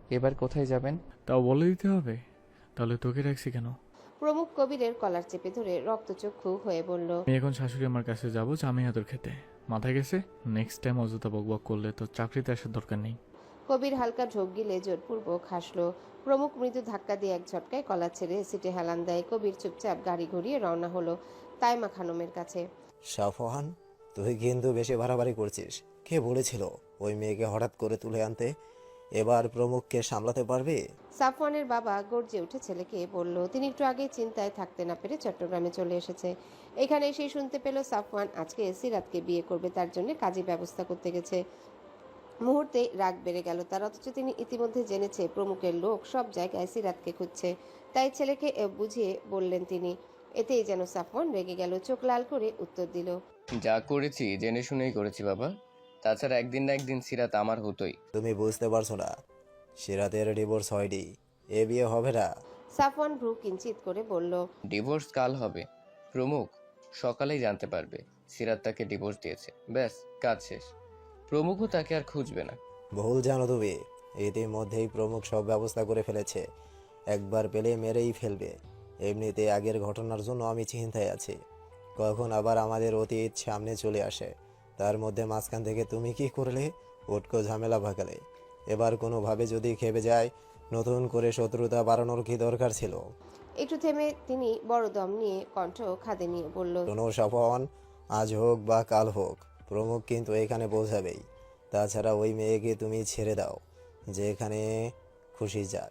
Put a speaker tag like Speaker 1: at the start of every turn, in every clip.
Speaker 1: এবার কোথায় যাবেন?
Speaker 2: তাও বলে দিতে হবে? তাহলে তোকে রাখছি কেন?
Speaker 3: প্রমুখ কবিরের কলার চেপে ধরে রক্তচক্ষু হয়ে বলল,
Speaker 2: আমি এখন শাশুড়ি আমার কাছে যাবো জামাই আদর খেতে। মাথায় গেছে? নেক্সট টাইম অযথা বকবক করলে তো চাকরিতে আসার দরকার নেই।
Speaker 3: কবির হালকা ঢোক গিলে জোরপূর্বক হাসল। প্রমুখ মৃদু ধাক্কা দিয়ে এক ঝটকায় কলা ছেড়ে সিটে হেলান দেয়। কবির চুপচাপ গাড়ি ঘুরিয়ে রওনা হলো তাইমা খানমের কাছে।
Speaker 4: সাফওয়ান, তুই কিন্তু বেশি বাড়াবাড়ি করছিস। কে বলেছিল ওই মেয়েকে হঠাৎ করে তুলে আনতে? এবার প্রমুখকে সামলাতে পারবি?
Speaker 3: সাফওয়ানের বাবা গর্জে উঠে ছেলেকে বলল। তিনি একটু আগেই চিন্তায় থাকতে না পেরে চট্টগ্রামে চলে এসেছে। এখানে এসেই শুনতে পেল সাফওয়ান আজকে সিরাতকে বিয়ে করবে, তার জন্য কাজী ব্যবস্থা করতে গেছে। মুহূর্তে রাগ বেড়ে গেল তার, অথচ তিনি ইতিমধ্যে জেনেছে প্রমুখের লোক সব জায়গায় সিরাতকে খুঁজছে। তাই ছেলেকে বুঝিয়ে বললেন তিনি। এতেই যেন সাফওয়ান রেগে গেল, চোখ লাল করে উত্তর দিল,
Speaker 5: যা করেছি জেনে শুনেই করেছি বাবা। তাছাড়া একদিন না একদিন সিরাত আমার হতোই।
Speaker 4: তুমি বুঝতে পারছো না, সিরাতের ডিভোর্স হয়নি, এ বিয়ে হবে না।
Speaker 3: সাফওয়ান ভ্রু কিঞ্চিত করে বলল,
Speaker 5: ডিভোর্স কাল হবে। প্রমুখ সকালেই জানতে পারবে সিরাত তাকে ডিভোর্স দিয়েছে। ব্যাস, কাজ শেষ। প্রমুখও তাকে আর খুঁজবে না।
Speaker 4: ভুল জানো তুমি, ইতিমধ্যেই প্রমুখ সব ব্যবস্থা করে ফেলেছে। একবার পেলে মেরেই ফেলবে। এমনিতে আগের ঘটনার জন্য আমি চিন্তায় আছি, কখন আবার আমাদের অতীত সামনে চলে আসে। তার মধ্যে মাঝখান থেকে তুমি কি করলে? উটকো ঝামেলা ভাগালে। এবার কোনোভাবে যদি খেপে যায়, নতুন করে শত্রুতা বাড়ানোর কি দরকার ছিল?
Speaker 3: একটু থেমে তিনি বড় দম নিয়ে কণ্ঠ খাদে নিয়ে বলল,
Speaker 4: শোনো স্বপন, আজ হোক বা কাল হোক প্রমুখ কিন্তু এখানে পৌঁছাবেই। তাছাড়া ওই মেয়েকে তুমি ছেড়ে দাও, যেখানে খুশি যাক।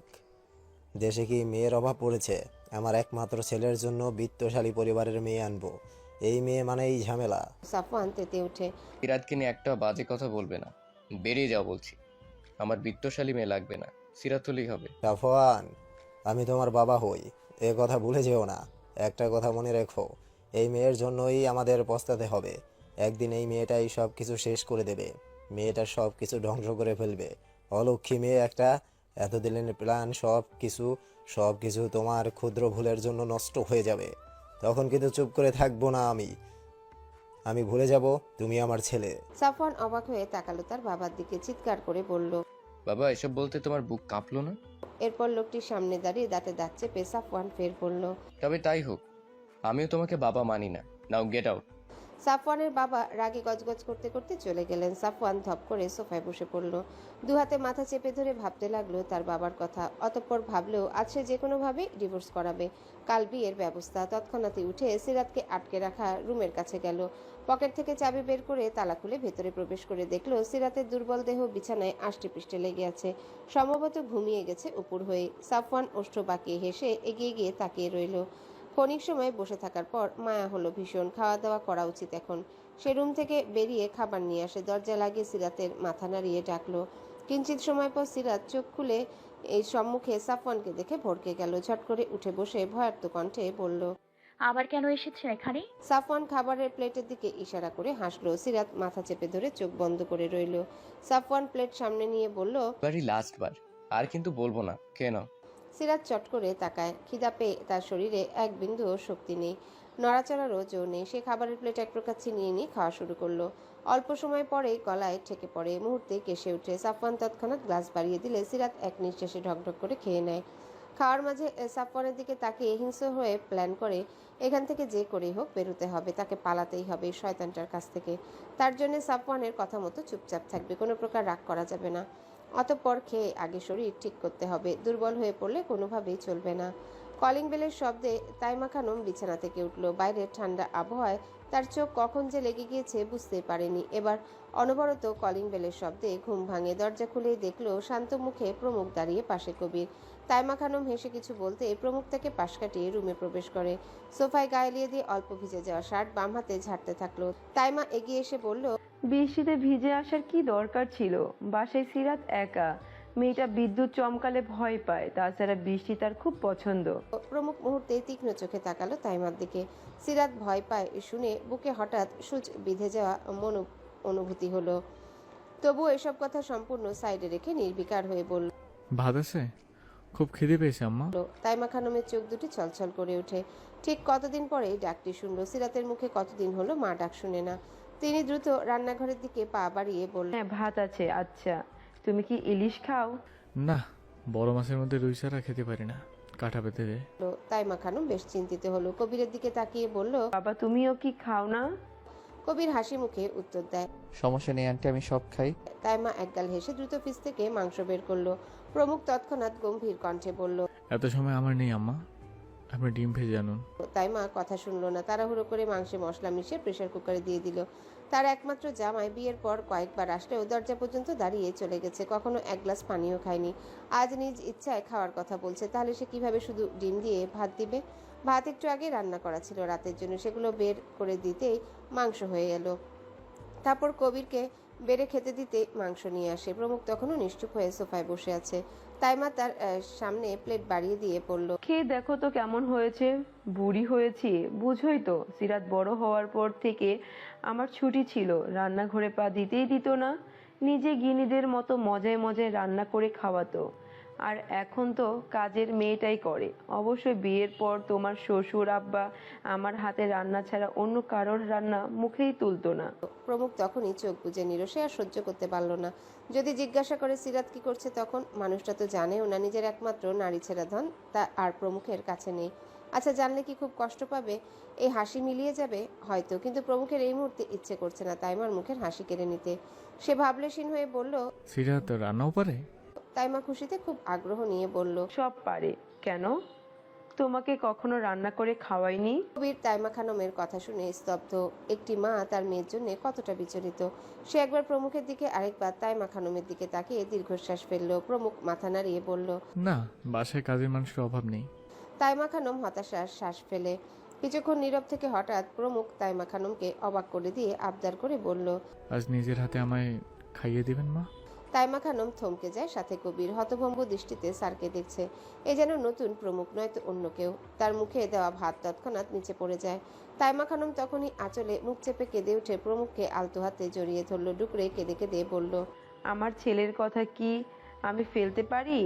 Speaker 4: দেশে কি মেয়ের অভাব পড়েছে? আমার একমাত্র ছেলের জন্য বিত্তশালী পরিবারের মেয়ে আনবো, এই মেয়ে মানেই ঝামেলা।
Speaker 3: সাফওয়ান তেতে উঠে,
Speaker 5: সিরাতকে নিয়ে একটা বাজে কথা বলবে না। বেরিয়ে যাও বলছি। আমার বিত্তশালী মেয়ে লাগবে না, সিরাত হলেই হবে।
Speaker 4: সাফওয়ান, আমি তোমার বাবা হই, এ কথা ভুলে যেও না। একটা কথা মনে রেখো, এই মেয়ের জন্যই আমাদের পস্তাতে হবে। একদিন এই মেয়েটাই সব কিছু শেষ করে দেবে। মেয়েটা সব কিছু ধ্বংস করে ফেলবে। অলক্ষী মেয়ে একটা। এতদিনের প্ল্যান সব কিছু তোমার ক্ষুদ্র ভুলের জন্য নষ্ট হয়ে যাবে। তখন কিন্তু চুপ করে থাকবো না আমি ভুলে যাব তুমি আমার ছেলে।
Speaker 3: সাফওয়ান অবাক হয়ে তাকালো তার বাবার দিকে, চিৎকার করে বলল।
Speaker 5: বাবা, এসব বলতে তোমার বুক কাঁপলো না?
Speaker 3: এরপর লোকটির সামনে দাঁড়িয়ে দাঁতে দাঁত চেপে সাফওয়ান ফের বলল,
Speaker 5: তবে তাই হোক, আমিও তোমাকে বাবা মানি না। নাও গেট আউট।
Speaker 3: সাফওয়ানের বাবা রাগে গজগজ করতে করতে চলে গেলেন। সাফওয়ান ধপ করে সোফায় বসে পড়ল, দু হাতে মাথা চেপে ধরে ভাবতে লাগলো তার বাবার কথা। অতঃপর ভাবলেও আজ সে যে কোনোভাবে ডিভোর্স করাবে। কাল বিয়ের ব্যবস্থা। তৎক্ষণাৎই উঠে সিরাতকে আটকে রাখা রুমের কাছে গেল। পকেট থেকে চাবি বের করে তালা খুলে ভেতরে প্রবেশ করে দেখলো সিরাতের দুর্বল দেহ বিছানায় আষ্টেপৃষ্ঠে লেগে আছে, সম্ভবত ঘুমিয়ে গেছে উপর হয়ে। সাফওয়ান ওষ্ঠ বাঁকিয়ে হেসে এগিয়ে গিয়ে তাকিয়ে রইল। ক্ষণিক সময় বসে থাকার পর মায়া হলো ভীষণ, খাওয়া দাওয়া করা উচিত এখন। সে রুম থেকে বেরিয়ে খাবার নিয়ে আসে, দরজা লাগিয়ে সিরাতের মাথা নাড়িয়ে ডাকলো। কিঞ্চিত সময় পর সিরাত চোখ খুলে এই সম্মুখে সাফওয়ানকে দেখে ভড়কে গেল। ঝট করে উঠে বসে ভয়ার্ত কণ্ঠে বলল,
Speaker 6: আবার কেন এসেছেন এখানে?
Speaker 3: সাফওয়ান খাবারের প্লেটের দিকে ইশারা করে হাসলো। সিরাত মাথা চেপে ধরে চোখ বন্ধ করে রইল। সাফওয়ান প্লেট সামনে নিয়ে বলল,
Speaker 5: এবারই লাস্ট বার, আর কিন্তু বলবো না। কেন?
Speaker 3: সিরাত চট করে তাকায়। খিদা পেয়ে তার শরীরে এক বিন্দুও শক্তি নেই, নড়াচড়ারও জো নেই। সে খাবারের প্লেট এক প্রকার ছিনিয়ে নিয়ে খাওয়া শুরু করলো। অল্প সময় পরেই গলায় ঠেকে পড়ে, মুহূর্তে কেসে উঠে। সাফওয়ান তৎক্ষণাৎ গ্লাস বাড়িয়ে দিলে সিরাত এক নিঃশ্বাসে ঢকঢক করে খেয়ে নেয়। খাওয়ার মাঝে সাফওয়ানের দিকে তাকিয়ে হিংস্র হয়ে প্ল্যান করে এখান থেকে যে করেই হোক বেরোতে হবে, তাকে পালাতেই হবে এই শয়তানটার কাছ থেকে। তার জন্য সাফওয়ানের কথা মতো চুপচাপ থাকবে, কোনো প্রকার রাগ করা যাবে না। অতঃপর খেয়ে আগে শরীর ঠিক করতে হবে, দুর্বল হয়ে পড়লে কোনোভাবেই চলবে না। কলিং বেলের শব্দে তাইমা খানম বিছানা থেকে উঠল। বাইরের ঠান্ডা আবহাওয়ায় তার চোখ কখন যে লেগে গিয়েছে বুঝতে পারেনি। এবার অনবরত কলিং বেলের শব্দে ঘুম ভাঙে। দরজা খুলেই দেখলো শান্ত মুখে প্রমুখ দাঁড়িয়ে পাশে কবির। তাইমা খানম হেসে কিছু বলতে প্রমুখ তাকে পাশ কাটিয়ে রুমে প্রবেশ করে। সোফায় গায়ে লিয়ে দিয়ে অল্প ভিজে যাওয়া শার্ট বাম হাতে ঝাড়তে থাকলো। তাইমা এগিয়ে এসে বলল,
Speaker 7: বৃষ্টিতে ভিজে আসার কি দরকার ছিল? বাসায় সিরাত একা, মেয়েটা বিদ্যুৎ চমকালে ভয় পায়, তাছাড়া বৃষ্টি তার খুব পছন্দ।
Speaker 3: প্রমুখ মুহূর্তে তীক্ষ্ণ চোখে তাকালো তাইমার দিকে। সিরাত ভয় পায় শুনে বুকে হঠাৎ সূচ বিঁধে যাওয়া অনুভূতি হলো। তবুও এসব কথা সম্পূর্ণ সাইডে রেখে নির্বিকার হয়ে বলল,
Speaker 2: ভাত আছে? খুব খিদে পেয়েছে আম্মা।
Speaker 3: তাইমা খানমের চোখ দুটি ছলছল করে ওঠে। ঠিক কতদিন পরে ডাকটি শুনলো। সিরাতের মুখে কতদিন হলো মা ডাক শুনে না। তিনি দ্রুত রান্নাঘরের দিকে পা বাড়িয়ে বলল,
Speaker 7: হ্যাঁ ভাত আছে। আচ্ছা, তুমি কি ইলিশ খাও?
Speaker 2: না, বড় মাছের মধ্যে রুই ছাড়া খেতে পারি না, কাঁটা পেতে দে।
Speaker 3: তাইমা খানম বেশ চিন্তিত হলো, কবিরের দিকে তাকিয়ে বলল।
Speaker 7: বাবা তুমিও কি খাও না?
Speaker 3: কবির হাসি মুখে উত্তর দেয়।
Speaker 5: সমস্যা নেই আন্টি, আমি সব খাই।
Speaker 3: তাইমা একগাল হেসে দ্রুত ফ্রিজ থেকে মাংস বের করলো। প্রমুখ তৎক্ষণাৎ গম্ভীর কণ্ঠে বলল।
Speaker 2: এত সময় আমার নেই আম্মা, আপনি ডিম ভেজে আনুন।
Speaker 3: তাইমা কথা শুনলো না, তাড়াহুড়ো করে মাংসে মশলা মিশিয়ে প্রেসার কুকারে দিয়ে দিল। তার একমাত্র জামাই বিয়ের পর কয়েকবার আসলেও দরজা পর্যন্ত দাঁড়িয়ে চলে গেছে, কখনো এক গ্লাস পানিও খায়নি। আজ নিজ ইচ্ছায় খাওয়ার কথা বলছে, তাহলে সে কিভাবে শুধু ডিম দিয়ে ভাত দিবে? ভাত একটু আগে রান্না করা ছিল রাতের জন্য, সেগুলো বের করে দিতেই মাংস হয়ে এলো। তারপর কবিরকে বেড়ে খেতে দিতে মাংস নিয়ে আসে। প্রমুখ তখনও নিশ্চুপ হয়ে সোফায় বসে আছে। তাইমা তার সামনে প্লেট বাড়িয়ে দিয়ে পড়ল।
Speaker 7: খেয়ে দেখো তো কেমন হয়েছে। বুড়ি হয়েছি বুঝোই তো, সিরাত বড় হওয়ার পর থেকে আমার ছুটি ছিল, রান্নাঘরে পা দিতেই দিত না। নিজে গিনিদের মতো মজায় মজায় রান্না করে খাওয়াতো, আর এখন তো কাজের মেয়েটাই করে। অবশ্যই বিয়ের পর তোমার শ্বশুর আব্বা আমার হাতে রান্না ছাড়া অন্য কারোর রান্না মুখেই তুলতো না।
Speaker 3: প্রমুখ তখনই চোখ বুজে নিল, সে আর সহ্য করতে পারল না। যদি জিজ্ঞাসা করে সিরাত কি করছে, তখন মানুষটা তো জানেও না নিজের একমাত্র নারী ছেড়া ধন তা আর প্রমুখের কাছে নেই। আচ্ছা, জানলে কি খুব কষ্ট পাবে? এই হাসি মিলিয়ে যাবে হয়তো, কিন্তু প্রমুখের এই মুহূর্তে ইচ্ছে করছে না তাইমার মুখের হাসি কেড়ে নিতে। সে ভাবলেশীন হয়ে বলল।
Speaker 2: সিরাত রান্নাও পারে?
Speaker 3: তাইমা খুশিতে খুব আগ্রহ নিয়ে বলল।
Speaker 7: সব পারে। কেন, তোমাকে কখনো রান্না করে খাওয়াইনি?
Speaker 3: কবির তাইমা খানমের কথা শুনে স্তব্ধ। একটি মা তার মেয়ের জন্য কতটা বিচলিত। সে একবার প্রমুখের দিকে, আরেকবার তাইমা খানমের দিকে তাকিয়ে দীর্ঘশ্বাস ফেলল। প্রমুখ মাথা নাড়িয়ে বলল।
Speaker 2: না, বাসায় কাজের মানুষের অভাব নেই।
Speaker 3: তাইমা খানম হতাশার শ্বাস ফেলে কিছুক্ষণ নীরব থেকে হঠাৎ প্রমুখ তাইমা খানমকে অবাক করে দিয়ে আবদার করে বলল।
Speaker 2: আজ নিজের হাতে আমায় খাইয়ে দিবেন মা?
Speaker 3: তাইমা খানম থমকে যায়, সাথে কবির হতভম্ব দৃষ্টিতে স্যারকে দেখছে। এ যেন নতুন প্রমুখ, নয়তো অন্য কেউ। তার মুখে দেওয়া ভাত তৎক্ষণাৎ নিচে পড়ে যায়। তাইমা খানম তখনই আঁচলে মুখ চেপে কেঁদে উঠে প্রমুখকে আলতো হাতে জড়িয়ে ধরল, ডুকরে কেঁদে কেঁদে বলল।
Speaker 7: আমার ছেলের কথা কি আমি ফেলতে পারি?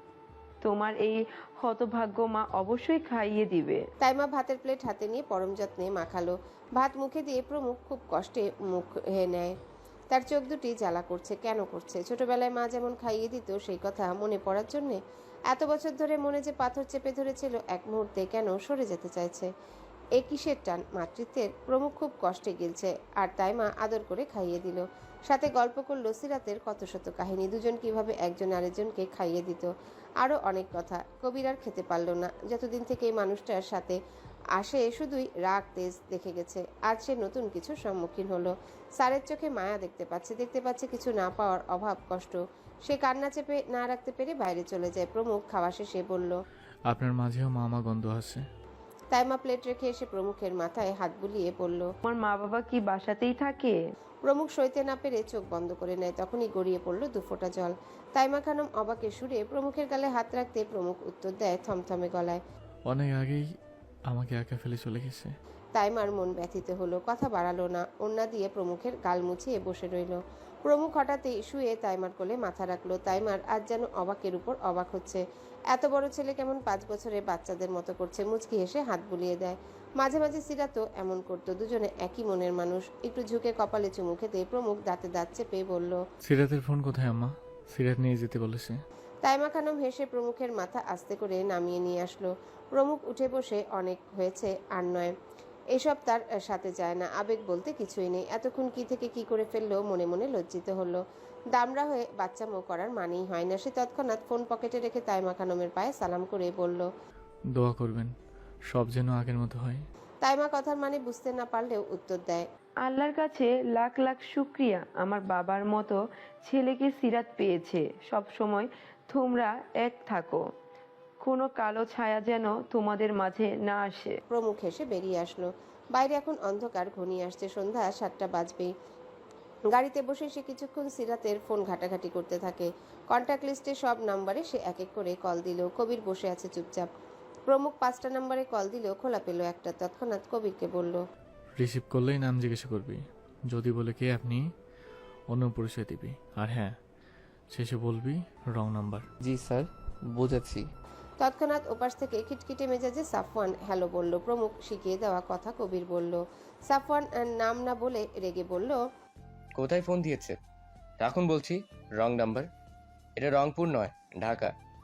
Speaker 7: তোমার এই হতভাগ্য মা অবশ্যই খাইয়ে দিবে।
Speaker 3: তাইমা ভাতের প্লেট হাতে নিয়ে পরম যত্নে মাখালো। ভাত মুখে দিয়ে প্রমুখ খুব কষ্টে মুখ নেয়। তার চোখ দুটি জ্বালা করছে। কেন করছে? ছোটবেলায় মা যেমন খাইয়ে দিত, সেই কথা মনে পড়ার জন্যে? এত বছর ধরে মনে যে পাথর চেপে ধরেছিল, এক মুহূর্তে কেন সরে যেতে চাইছে? এ কিসের টান মাতৃত্বের? প্রমুখ খুব কষ্টে গিলছে, আর তাইমা আদর করে খাইয়ে দিল। সাথে গল্প করলো সিরাতের কত শত কাহিনী, দুজন কিভাবে একজন আরেকজনকে খাইয়ে দিত, আরও অনেক কথা। কবির আর খেতে পারল না। যতদিন থেকে এই মানুষটার সাথে আসে শুধুই রাগ তেজ দেখে গেছে। আজ সে নতুন কিছুর সম্মুখীন হলো। স্যারের চোখে মায়া দেখতে পাচ্ছে কিছু না পাওয়ার অভাব, কষ্ট। সে কান্না চেপে না রাখতে পেরে বাইরে চলে যায়। প্রমুখ খাওয়া শেষে বলল।
Speaker 2: আপনার মাঝেও মামা গন্ধ আছে।
Speaker 3: তাইমা প্লেট রেখে এসে প্রমুখের মাথায় হাত বুলিয়ে বলল।
Speaker 7: তোমার মা বাবা কি বাসাতেই থাকে?
Speaker 3: প্রমুখ সইতে না পেরে চোখ বন্ধ করে নেয়। তখনই গড়িয়ে পড়ল দুফোঁটা জল। তাইমা খানম অবাকে সুরে প্রমুখের গালে হাত রাখতে প্রমুখ উত্তর দেয় থমথমে গলায়।
Speaker 2: অনেক আগেই আমাকে একা ফেলে চলে গেছে।
Speaker 3: তাইমার মন ব্যথিত হলো, কথা বাড়ালো না। ওন্না দিয়ে প্রমুখের গাল মুছিয়ে বসে রইল। প্রমুখ হঠাৎই শুয়ে তাইমার কোলে মাথা রাখলো। তাইমার আজ যেন অবাকের উপর অবাক হচ্ছে। এত বড় ছেলে কেমন 5 বছরের বাচ্চাদের মতো করছে। মুচকি হেসে হাত বুলিয়ে দেয়। মাঝে মাঝে সিরাতও এমন করতো। দুজনে একই মনের মানুষ। একটু ঝুঁকে কপালে চুমু খেতে প্রমুখ দাঁতে দাঁত চেপে বলল।
Speaker 2: সিরাতের ফোন কোথায় আম্মা? সিরাত নিয়ে যেতে বলেছে।
Speaker 3: তাইমা খানম হেসে প্রমুখের মাথা আস্তে করে নামিয়ে নিয়ে আসলো। প্রমুখ উঠে বসে। অনেক হয়েছে, আর নয়। এসব তার সাথে যায় না। আবেগ বলতে কিছুই নেই। এতক্ষণ কি থেকে কি করে ফেললো, মনে মনে লজ্জিত হলো। দামড়া হয়ে বাচ্চামো করার মানেই হয় না। সে তৎক্ষণাৎ ফোন পকেটে রেখে তাইমা খানমের পায়ে সালাম করে বলল।
Speaker 2: দোয়া করবেন সব যেন আগের মতো হয়।
Speaker 3: তাইমা কথার মানে বুঝতে না পারলেও উত্তর দেয়।
Speaker 7: আল্লাহর কাছে লাখ লাখ শুক্রিয়া, আমার বাবার মতো ছেলেকে সিরাত পেয়েছে। সব সময় তোমরা এক থাকো, কোনো কালো ছায়া যেন তোমাদের মাঝে না আসে।
Speaker 3: প্রমুখ হেসে বেরিয়ে আসলো। বাইরে এখন অন্ধকার ঘনিয়ে আসছে। সন্ধ্যা 7টা বাজবেই। গাড়িতে বসে সে কিছুক্ষণ সিরাতের ফোন ঘাটাঘাটি করতে থাকে। কন্ট্যাক্ট লিস্টে সব নাম্বারে সে এক এক করে কল দিল। কবির বসে আছে চুপচাপ। প্রমুখ 5টা নাম্বারে কল দিলেও খোলা পেল একটা। তৎক্ষণাৎ কবিরকে বলল।
Speaker 2: রিসিভ করলেই নাম জিজ্ঞাসা করবি, যদি বলে কে আপনি অন্য পরিচয় দিবি, আর হ্যাঁ শেষে বলবি রং নাম্বার।
Speaker 5: জি স্যার, বুঝেছি।
Speaker 3: তৎক্ষণাৎ ওপাশ থেকে খিটখিটে মেজাজে সাফওয়ান হ্যালো বলল। প্রমুখ শিখিয়ে দেওয়া কথা কবির বলল। সাফওয়ান নাম না বলে রেগে বলল।
Speaker 5: কোথায় ফোন দিয়েছে? রাখুন বলছি। Wrong number. এটা রংপুর নয়, ঢাকা।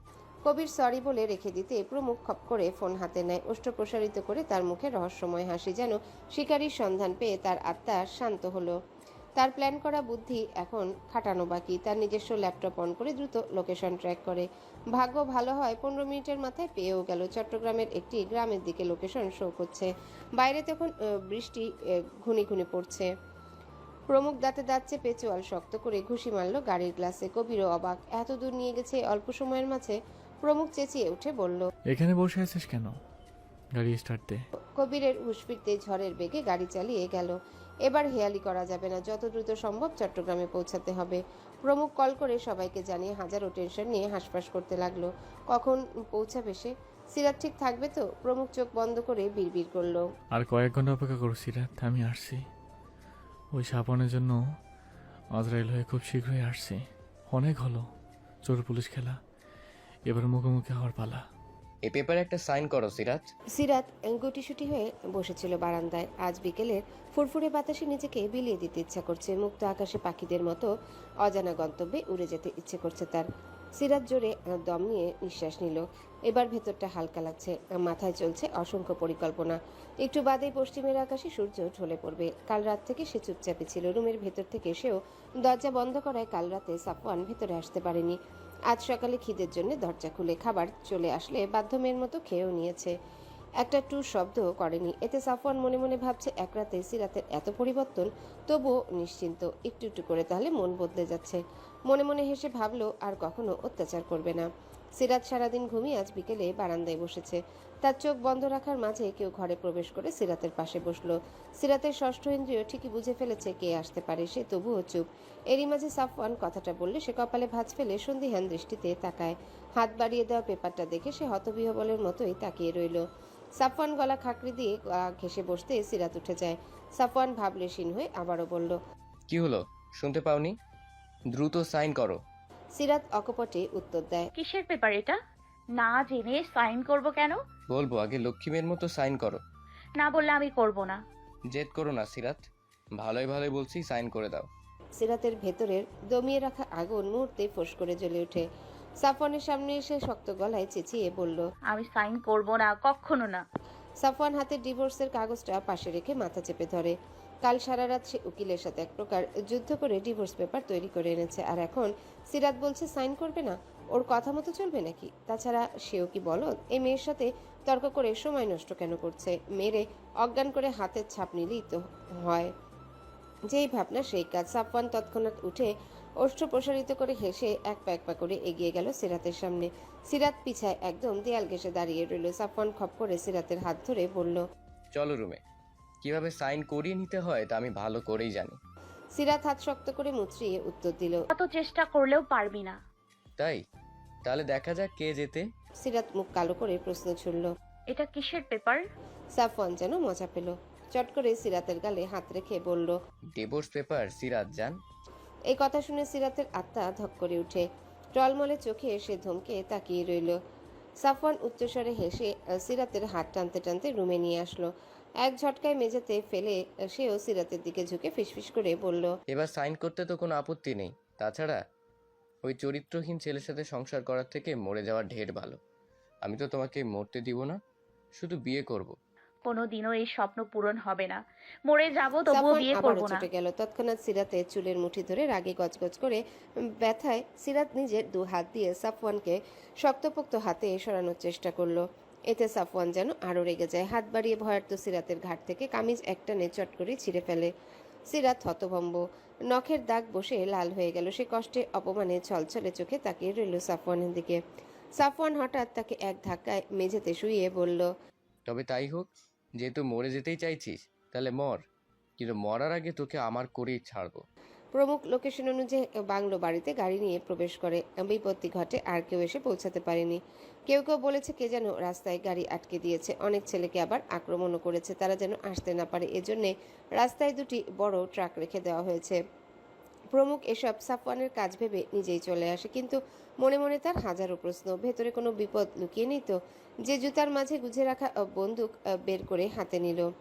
Speaker 3: কবির সরি বলে রেখে দিতে প্রমুখ খপ করে ফোন হাতে নেয়, ওষ্ঠ প্রসারিত করে তার মুখে রহস্যময় হাসি, যেন শিকারীর সন্ধান পেয়ে তার আত্মা শান্ত হলো। তার প্ল্যান করা বুদ্ধি এখন খাটানো বাকি। তার নিজস্ব ল্যাপটপ অন করে দ্রুত লোকেশন ট্র্যাক করে। ভাগ্য ভালো হয় 15 মিনিটের মাথায় পেয়েও গেল। চট্টগ্রামের একটি গ্রামের দিকে লোকেশন শো করছে। বাইরে তখন বৃষ্টি ঘুনি ঘুনি পড়ছে। প্রমুখ দাঁতে দাঁত চেপে চোয়াল শক্ত করে ঘুষি মারল গাড়ির গ্লাসে। কবিরও অবাক, এত দূর নিয়ে গেছে অল্প সময়ের মাঝে। প্রমুখ চেঁচিয়ে উঠে বলল,
Speaker 2: এখানে বসে আছিস কেন? গাড়ি স্টার্ট দে।
Speaker 3: কবিরের হুঁশ ফিরতে ঝড়ের বেগে গাড়ি চালিয়ে গেল। এবার হেয়ালি করা যাবে না, যত দ্রুত সম্ভব চট্টগ্রামে পৌঁছাতে হবে। প্রমুখ কল করে সবাইকে জানিয়ে হাজারো টেনশন নিয়ে হাঁসফাঁস করতে লাগলো। কখন পৌঁছাবে সে? সিরাত ঠিক থাকবে তো? প্রমুখ চোখ বন্ধ করে বিড়বিড় করলো,
Speaker 2: আর কয়েক ঘন্টা অপেক্ষা করো সিরাত, আমি আসছি। ওই সাপনের জন্য আজরাইল হয়ে খুব শীঘ্রই আসছি। অনেক হলো চোর পুলিশ খেলা, এবার মুখোমুখি হওয়ার পালা।
Speaker 5: এ পেপারে একটা সাইন করো সিরাত।
Speaker 3: সিরাত গুটিসুটি হয়ে বসেছিল বারান্দায়। আজ বিকেলের ফুরফুরে বাতাসে নিজেকে বিলিয়ে দিতে ইচ্ছা করছে। মুক্ত আকাশে পাখিদের মতো অজানা গন্তব্যে উড়ে যেতে ইচ্ছে করছে তার। সিরাত জোরে দম নিয়ে নিঃশ্বাস নিল। এবার ভেতরটা হালকা লাগছে। মাথায় চলছে অসংখ্য পরিকল্পনা। একটু বাদেই পশ্চিমের আকাশে সূর্য ঢলে পড়বে। কাল রাত থেকে সে চুপচাপে ছিল। রুমের ভেতর থেকে সেও দরজা বন্ধ করায় কাল রাতে সাফওয়ান ভেতরে আসতে পারেনি। আজ সকালে খিদের জন্য দরজা খুলে খাবার চলে আসলে বাধ্যমের মতো খেয়েও নিয়েছে। একটা টু শব্দ করেনি। এতে সাফওয়ান মনে মনে ভাবছে, এক রাতে সিরাতের এত পরিবর্তন, তবুও নিশ্চিন্ত। একটু একটু করে তাহলে মন বদলে যাচ্ছে। মনে মনে হেসে ভাবলো আর কখনো অত্যাচার করবে না। সিরাত সারাদিন ঘুমিয়ে আজ বিকেলে বারান্দায় বসেছে। তার চোখ বন্ধ রাখার মাঝে কেউ ঘরে প্রবেশ করে সিরাতের পাশে বসলো। সিরাতের ষষ্ঠ ইন্দ্রিয় ঠিকই বুঝে ফেলেছে কে আসতে পারে, সে তবুও চুপ। এরই মাঝে সাফওয়ান কথাটা বললে সে কপালে ভাঁজ ফেলে সন্দিহান দৃষ্টিতে তাকায়। হাত বাড়িয়ে দেওয়া পেপারটা দেখে সে হতবিহবলের মতোই তাকিয়ে রইল। সাফওয়ান গলা খাকড়ি দিয়ে ঘেসে বসতে সিরাত উঠে যায়। সাফওয়ান ভাবলেশীন হয়ে আবারও বলল,
Speaker 5: কি হলো, শুনতে পাওনি? দ্রুত সাইন করো।
Speaker 3: সিরাত অকপটে উত্তর দেয়,
Speaker 6: কিসের পেপার এটা? না জেনে সাইন করব কেন?
Speaker 5: বলবো, আগে লক্ষ্মীমের মতো সাইন করো।
Speaker 6: না বললে আমি করব না।
Speaker 5: জেদ করো না সিরাত, ভালোই ভালোই বলছি, সাইন করে দাও।
Speaker 3: সিরাতের ভেতরের দমিয়ে রাখা আগুন মুহূর্তে ফোঁস করে জ্বলে ওঠে। সাফওয়ানের সামনে এসে শক্ত গলায় চেঁচিয়ে বলল,
Speaker 6: আমি সাইন করব না, কখনো না।
Speaker 3: সাফওয়ান হাতে ডিভোর্সের কাগজটা পাশে রেখে মাথা চেপে ধরে। কাল সারা রাত সে উকিলের সাথে এক প্রকার যুদ্ধ করে ডিভোর্স পেপার তৈরি করে এনেছে, আর এখন সিরাত বলছে সাইন করবে না। ওর কথা মতো চলবে নাকি? তাছাড়া সেও কি বলদ? এই মেয়ের সাথে তর্ক করে সময় নষ্ট কেন করছে? মেরে অজ্ঞান করে হাতের ছাপ নিলেই তো হয়। যেই ভাবনা সেই কাজ। সাফওয়ান তৎক্ষণাৎ উঠে ওষ্ঠ প্রসারিত করে হেসে এক পা করে এগিয়ে গেল সিরাতের সামনে। সিরাত পিছায় একদম দেয়াল ঘেঁষে দাঁড়িয়ে রইল। সাফওয়ান খপ করে সিরাতের হাত ধরে বলল,
Speaker 5: চলো রুমে। কিভাবে সাইন করিয়ে নিতে হয় তা আমি ভালো করেই জানি।
Speaker 3: সিরাত হাত শক্ত করে মুচড়িয়ে উত্তর দিল,
Speaker 6: কত চেষ্টা করলেও পারবি না।
Speaker 5: তাই? তাহলে দেখা যাক কে যেতে।
Speaker 3: সিরাত মুখ কালো করে প্রশ্ন ছুড়ল।
Speaker 6: এটা কিসের পেপার?
Speaker 3: সাফওয়ান যেন মজা পেল। চট করে সিরাতের গালে হাত রেখে বলল,
Speaker 5: ডিভোর্স পেপার সিরাত জান।
Speaker 3: এই কথা শুনে সিরাতের আত্মা ধক করে উঠে। টলমলে চোখে সে ধমকে তাকিয়ে রইল। সাফওয়ান উচ্চস্বরে হেসে সিরাতের হাত টানতে টানতে রুমে নিয়ে আসলো। এক ঝটকায় মেঝেতে ফেলে সেও সিরাতের দিকে ঝুঁকে ফিসফিস করে বলল,
Speaker 5: এবার সাইন করতে তো কোনো আপত্তি নেই। তাছাড়া ওই চরিত্রহীন ছেলের সাথে সংসার করার থেকে মরে যাওয়া ঢের ভালো। আমি তো তোমাকে মরতে দিব না, শুধু বিয়ে করব।
Speaker 6: কোনোদিনও এই স্বপ্ন পূরণ হবে না। মরে যাব তবুও
Speaker 3: সাফওয়ান
Speaker 6: বিয়ে
Speaker 3: আবারও
Speaker 6: করব না।
Speaker 3: ছুটে গেল। তৎক্ষণাৎ সিরাতের চুলের মুঠি ধরে রাগে গজগজ করে ব্যথায় সিরাত নিজের দু হাত দিয়ে সাফওয়ানকে শক্তপোক্ত হাতে সরানোর চেষ্টা করলো। এতে সাফওয়ান যেন আরো রেগে যায়। হাত বাড়িয়ে ভয়ার্ত সিরাতের ঘাট থেকে কামিজ একটানে চট করে ছিঁড়ে ফেলে। সিরাত হতভম্ব, নখের দাগ বসে লাল হয়ে গেল। সে কষ্টে অপমানে ছলছলে চোখে তাকিয়ে রইল সাফওয়ানের দিকে। সাফওয়ান হঠাৎ তাকে এক ধাক্কায় মেঝেতে শুইয়ে বলল,
Speaker 5: তবে তাই হোক, যেহেতু মরে যেতেই চাইছিস তাহলে মর, কিন্তু মরার আগে তোকে আমার করেই ছাড়বো।
Speaker 3: প্রমুখ লোকেশন অনুযায়ী বাংলো বাড়িতে গাড়ি নিয়ে প্রবেশ করে। বিপত্তি ঘটে, আর কেউ এসে পৌঁছাতে পারেনি। কেউ কেউ বলেছে কে যেন রাস্তায় গাড়ি আটকে দিয়েছে। অনেক ছেলেকে আবার আক্রমণও করেছে, তারা যেন আসতে না পারে এজন্যে রাস্তায় দুটি বড় ট্রাক রেখে দেওয়া হয়েছে। প্রমুখ এসব সাফওয়ানের কাজ ভেবে নিজেই চলে আসে, কিন্তু মনে মনে তার হাজারো প্রশ্ন। ভেতরে কোনো বিপদ লুকিয়ে নেই তো? যে জুতার মাঝে গুজে রাখা বন্দুক বের করে হাতে নিল।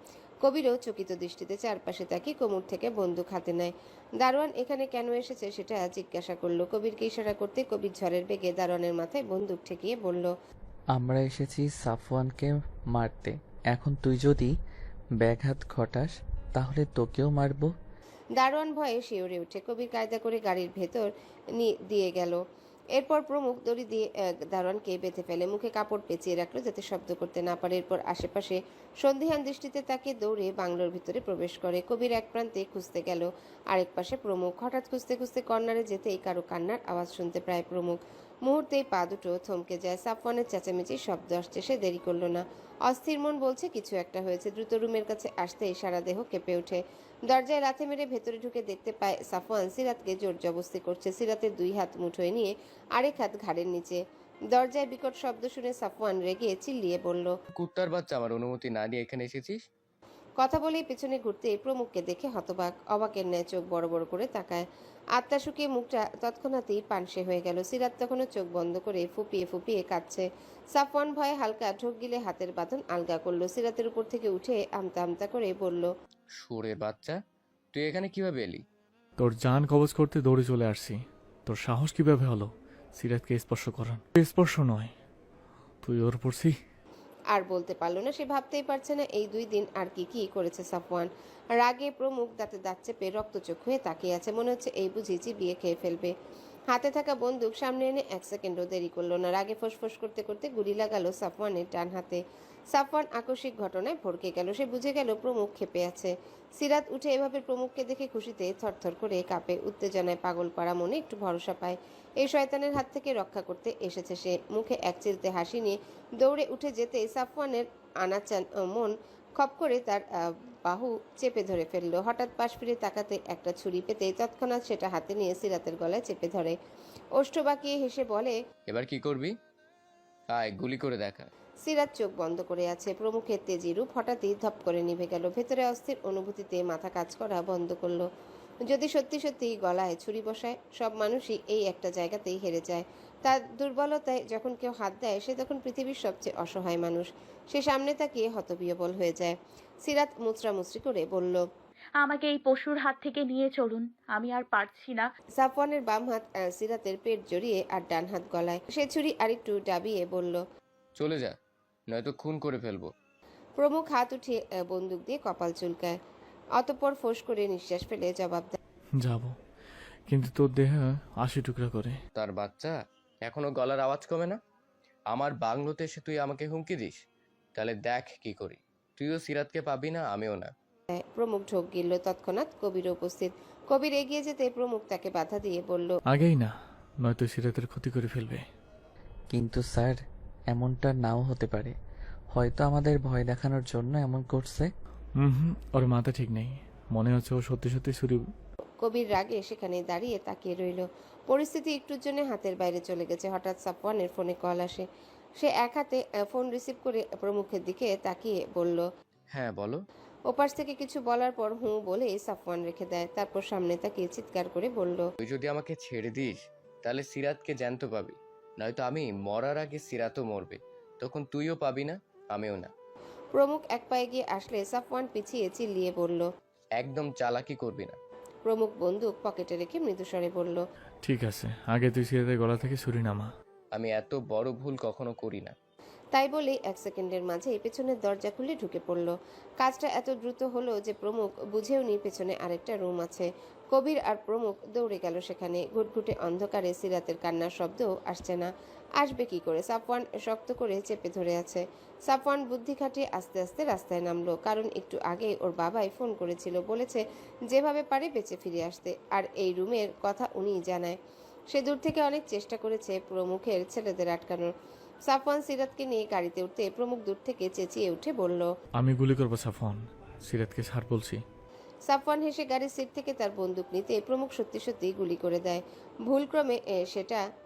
Speaker 3: কবিরও চকিত দৃষ্টিতে চারপাশে তাকিয়ে কোমর থেকে বন্দুক হাতে নেয়। দারোয়ান এখানে কেন এসেছে সেটা জিজ্ঞাসা করলো। কবিরকে ইশারা করতে কবির ঝড়ের বেগে দারোয়ানের মাথায় বন্দুক ঠেকিয়ে বলল,
Speaker 1: আমরা এসেছি সাফওয়ানকে মারতে। এখন তুই যদি ব্যাঘাত ঘটাস তাহলে তোকেও মারবো।
Speaker 3: দারোয়ান ভয়ে শিউরে উঠে কবির কায়দা করে গাড়ির ভেতর দিয়ে গেল। এরপর প্রমুখ দড়ি দিয়ে দারোয়ানকে বেঁধে ফেলে, মুখে কাপড় পেঁচিয়ে রাখলো যাতে শব্দ করতে না পারে। এরপর আশেপাশে সন্ধিহান দৃষ্টিতে তাকে দৌড়ে বাংলোর ভিতরে প্রবেশ করে। কবির এক প্রান্তে খুঁজতে গেল, আরেক পাশে প্রমুখ। হঠাৎ খুঁজতে খুঁজতে কর্নারে যেতেই কারো কান্নার আওয়াজ শুনতে প্রায় প্রমুখ। মুহূর্তেই পা দুটো থমকে যায়। সাফওয়ানের চেঁচামেচির শব্দ আসছে। সে দেরি করলো না। অস্থির মন বলছে কিছু একটা হয়েছে। দ্রুত রুমের কাছে আসতেই সারা দেহ কেঁপে ওঠে। দরজায় লাথি মেরে ভেতরে ঢুকে দেখতে পায় সাফওয়ান সিরাতকে জোর জবস্তি করছে। সিরাতের দুই হাত মুঠোয় নিয়ে আরেক হাত ঘাড়ের নিচে। দরজায় বিকট শব্দ শুনে সাফওয়ান রেগে চিল্লিয়ে বলল,
Speaker 5: কুত্তার বাচ্চা, আমার অনুমতি না দিয়ে এখানে এসেছিস?
Speaker 3: কথা বলেই পেছনে ঘুরতে প্রমুখকে দেখে হতবাক, অবাকের ন্যায় চোখ বড় বড় করে তাকায়। আত্মা শুকিয়ে মুখটা তৎক্ষণাৎই পানসে হয়ে গেল। সিরাত তখনও চোখ বন্ধ করে ফুপিয়ে ফুপিয়ে কাঁদছে। সাফওয়ান ভয়ে হালকা ঢোক গিলে হাতের বাঁধন আলগা করলো। সিরাতের উপর থেকে উঠে আমতা আমতা করে বলল,
Speaker 5: সুরে বাচ্চা, তুই এখানে কিভাবে এলি?
Speaker 2: তোর জান কবজ করতে দৌড়ে চলে আসছি। তোর সাহস কিভাবে হলো সিরাতকে স্পর্শ করার? স্পর্শ নয়, তুই ওর পড়ছি।
Speaker 3: আর বলতে পারলো না। সে ভাবতেই পারছে না এই 2 দিন আর কি কি করেছে সাফওয়ান। রাগে প্রমুখ দাঁতে দাঁত চেপে রক্তচোখ হয়ে তাকিয়ে আছে। মনে হচ্ছে এই বুঝি চিবিয়ে খেয়ে ফেলবে। হাতে থাকা বন্দুক সামনে এনে 1 সেকেন্ডও দেরি করলো না। রাগে ফোঁস করতে করতে গুলি লাগালো সাফওয়ানের ডান হাতে। সাফওয়ান আকস্মিক ঘটনায় ভড়কে গেল। সে বুঝে গেল প্রমুখ ক্ষেপে আছে। সিরাত উঠে এভাবে প্রমুখকে দেখে খুশিতে থরথর করে কাঁপে। উত্তেজনায় পাগল পাড়া মনে একটু ভরসা পায়। এই শয়তানের হাত থেকে রক্ষা করতে এসেছে সে। মুখে এক চিলতে হাসি নিয়ে দৌড়ে উঠে যেতে সাফওয়ানের আনাচান মন খপ করে তার বাহু চেপে ধরে ফেললো। হঠাৎ পাশ ফিরে তাকাতে একটা ছুরি পেতে তৎক্ষণাৎ সেটা হাতে নিয়ে সিরাতের গলায় চেপে ধরে। ওষ্ঠ বাঁকিয়ে হেসে বলে,
Speaker 5: এবার কি করবি? আয়, গুলি করে দেখা।
Speaker 3: সিরাত চোখ বন্ধ করে আছে। প্রমুখের তেজি রূপ হঠাৎই ধপ করে নিভে গেল। ভেতরে অস্থির অনুভূতিতে মাথা কাজ করা বন্ধ করলো। যদি সত্যি সত্যি গলায় ছুরি বসায়, সব মানুষই এই একটা জায়গাতেই হেরে যায়। তার দুর্বলতায় যখন কেউ হাত দেয় সে তখন পৃথিবীর সবচেয়ে অসহায় মানুষ। সে সামনে তাকিয়ে হতবিহ্বল হয়ে যায়। সিরাত মুচড়ামুচড়ি করে বলল,
Speaker 6: আমাকে এই পশুর হাত থেকে নিয়ে চলুন, আমি আর পারছি না।
Speaker 3: সাফওয়ানের বাম হাত সিরাতের পেট জড়িয়ে আর ডান হাত গলায়। সে ছুরি আরেকটু ডাবিয়ে বলল,
Speaker 5: চলে যা, নয়তো খুন করে ফেলবো।
Speaker 3: প্রমুখ হাত উঠিয়ে বন্দুক দিয়ে কপাল চুলকায়। অতঃপর ফোঁস করে নিঃশ্বাস ফেলে জবাব দেয়,
Speaker 2: যাব, কিন্তু তোর দেহ 80 টুকরা করে।
Speaker 5: তার বাচ্চা, এখনো গলার আওয়াজ কমে না? আমার বাংলোতে এসে তুই আমাকে হুমকি দিস? তাহলে দেখ কি করি। তুইও সিরাতকে পাবি না, আমিও না।
Speaker 3: প্রমুখ ঢোক গিলল। তৎক্ষণাৎ কবির উপস্থিত। কবির এগিয়ে যেতে প্রমুখ তাকে বাধা দিয়ে বলল,
Speaker 2: আগেই না, নয়তো সিরাতের ক্ষতি করে ফেলবে।
Speaker 1: কিন্তু স্যার, এমনটা নাও হতে পারে। হয়তো আমাদের ভয় দেখানোর জন্য এমন করছে।
Speaker 2: ওর মাথা ঠিক নেই, মনে হচ্ছে ও সত্যি সত্যি ছুরি।
Speaker 3: কবির রাগে সেখানে দাঁড়িয়ে তাকিয়ে রইল। পরিস্থিতি একটুর জন্য হাতের বাইরে চলে গেছে। হঠাৎ সাফওয়ানের ফোনে কল আসে। সে এক হাতে ফোন রিসিভ করে প্রমুখের দিকে তাকিয়ে বলল,
Speaker 5: হ্যাঁ বলো।
Speaker 3: ওপাশ থেকে কিছু বলার পর হুঁ বলে সাফওয়ান রেখে দেয়। তারপর সামনে তাকিয়ে চিৎকার করে বলল,
Speaker 5: তুই যদি আমাকে ছেড়ে দিস তাহলে সিরাতকে জ্যান্ত পাবি, নয়তো আমি মরার আগে সিরাতও মরবে। তখন তুইও পাবি না, আমিও না।
Speaker 3: প্রমুখ এক পায়ে গিয়ে আসলে সাফওয়ান পিছিয়ে চিল্লিয়ে বলল,
Speaker 5: একদম চালাকি করবি না।
Speaker 3: প্রমুখ বন্দুক পকেটে রেখে মৃদুস্বরে বলল,
Speaker 2: ঠিক আছে, আগে তুই সিরাতের গলা থেকে ছুরি নামা।
Speaker 5: আমি এত বড় ভুল কখনো করি না।
Speaker 3: তাই বলেই 1 সেকেন্ডের মাঝেই পেছনের দরজা খুলে ঢুকে পড়ল। কাজটা এত দ্রুত হলো যে প্রমুখ বুঝেওনি পেছনে আরেকটা রুম আছে। কবির আর প্রমুখ দৌড়ে গেল সেখানে। ঘুটঘুটে অন্ধকারে সিরাতের কান্নার শব্দও আসছে না। আসবে কি করে? সাফওয়ান শক্ত করে চেপে ধরে আছে। সাফওয়ান বুদ্ধি খাটিয়ে আস্তে আস্তে রাস্তায় নামলো। কারণ একটু আগে ওর বাবাই ফোন করেছিল, বলেছে যেভাবে পারে বেঁচে ফিরে আসতে। আর এই রুমের কথা উনিই জানায়। সে দূর থেকে অনেক চেষ্টা করেছে প্রমুখের ছেলেদের আটকানোর। সাফওয়ান সিরাতকে নিয়ে গাড়িতে উঠতে প্রমুখ দূর থেকে চেঁচিয়ে উঠে বলল,
Speaker 2: আমি গুলি করবো সাফওয়ান, সিরাতকে ছাড় বলছি।
Speaker 3: সাফওয়ান হেসে গাড়ির সিট থেকে তার বন্দুক নিতে প্রমুখ সত্যি সত্যি গুলি করে দেয়। ভুলক্রমে সেটা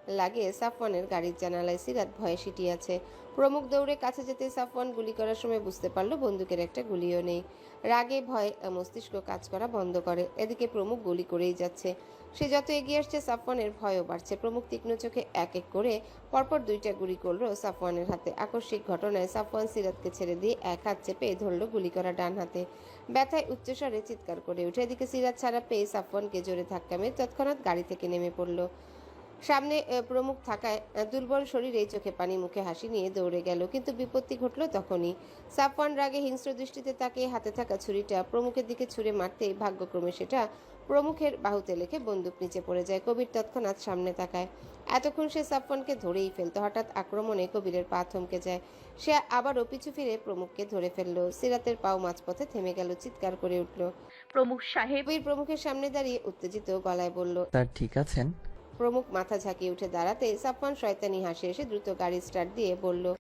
Speaker 3: লাগিয়ে সাফওয়ানের গাড়ির জানালায় সিরাত ভয়ে সিটিয়ে আছে। প্রমুখ দৌড়ে কাছে যেতে সাফওয়ান গুলি করার সময় বুঝতে পারল বন্দুকের একটা গুলিও নেই। রাগে ভয়ে মস্তিষ্ক কাজ করা বন্ধ করে। এদিকে প্রমুখ গুলি করেই যাচ্ছে। সে যত এগিয়ে আসছে সাফওয়ানের ভয়ও বাড়ছে। প্রমুখ তীক্ষ্ণ চোখে এক এক করে পরপর 2টা গুলি করলো সাফওয়ানের হাতে। আকস্মিক ঘটনায় সাফওয়ান সিরাতকে ছেড়ে দিয়ে এক হাত চেপে ধরল গুলি করা ডান হাতে। ব্যথায় উচ্চস্বরে চিৎকার করে উঠে। এদিকে সিরাত ছাড়া পেয়ে সাফওয়ানকে জোরে ধাক্কা মেরে তৎক্ষণাৎ গাড়ি থেকে নেমে পড়ল। সামনে প্রমুখ থাকায় দুর্বল শরীরে চোখে পানি মুখে হাসি নিয়ে দৌড়ে গেল। কিন্তু বিপত্তি ঘটল তখনই। সাফওয়ান রাগে হিংস্র দৃষ্টিতে তাকিয়ে হাতে থাকা ছুরিটা প্রমুখের দিকে ছুঁড়ে মারতেই ভাগ্যক্রমে সেটা প্রমুখের বাহুতে লেগে বন্দুক নিচে পড়ে যায়। কবির তৎক্ষণাৎ সামনে তাকায়। এতক্ষণ সে সাফওয়ানকে ধরেই ফেলতো। হঠাৎ আক্রমণে কবিরের পা থমকে যায়। সে আবারও পিছু ফিরে প্রমুখকে ধরে ফেললো। সিরাতের পাও মাঝপথে থেমে গেল। চিৎকার করে উঠল।
Speaker 6: প্রমুখ সাহেব।
Speaker 3: কবির প্রমুখের সামনে দাঁড়িয়ে উত্তেজিত গলায় বলল।
Speaker 1: স্যার ঠিক আছেন?
Speaker 3: প্রমুখ মাথা ঝাঁকিয়ে উঠে দাঁড়াতে সাফওয়ান শয়তানি হাসি এসে দ্রুত গাড়ি স্টার্ট দিয়ে বলল,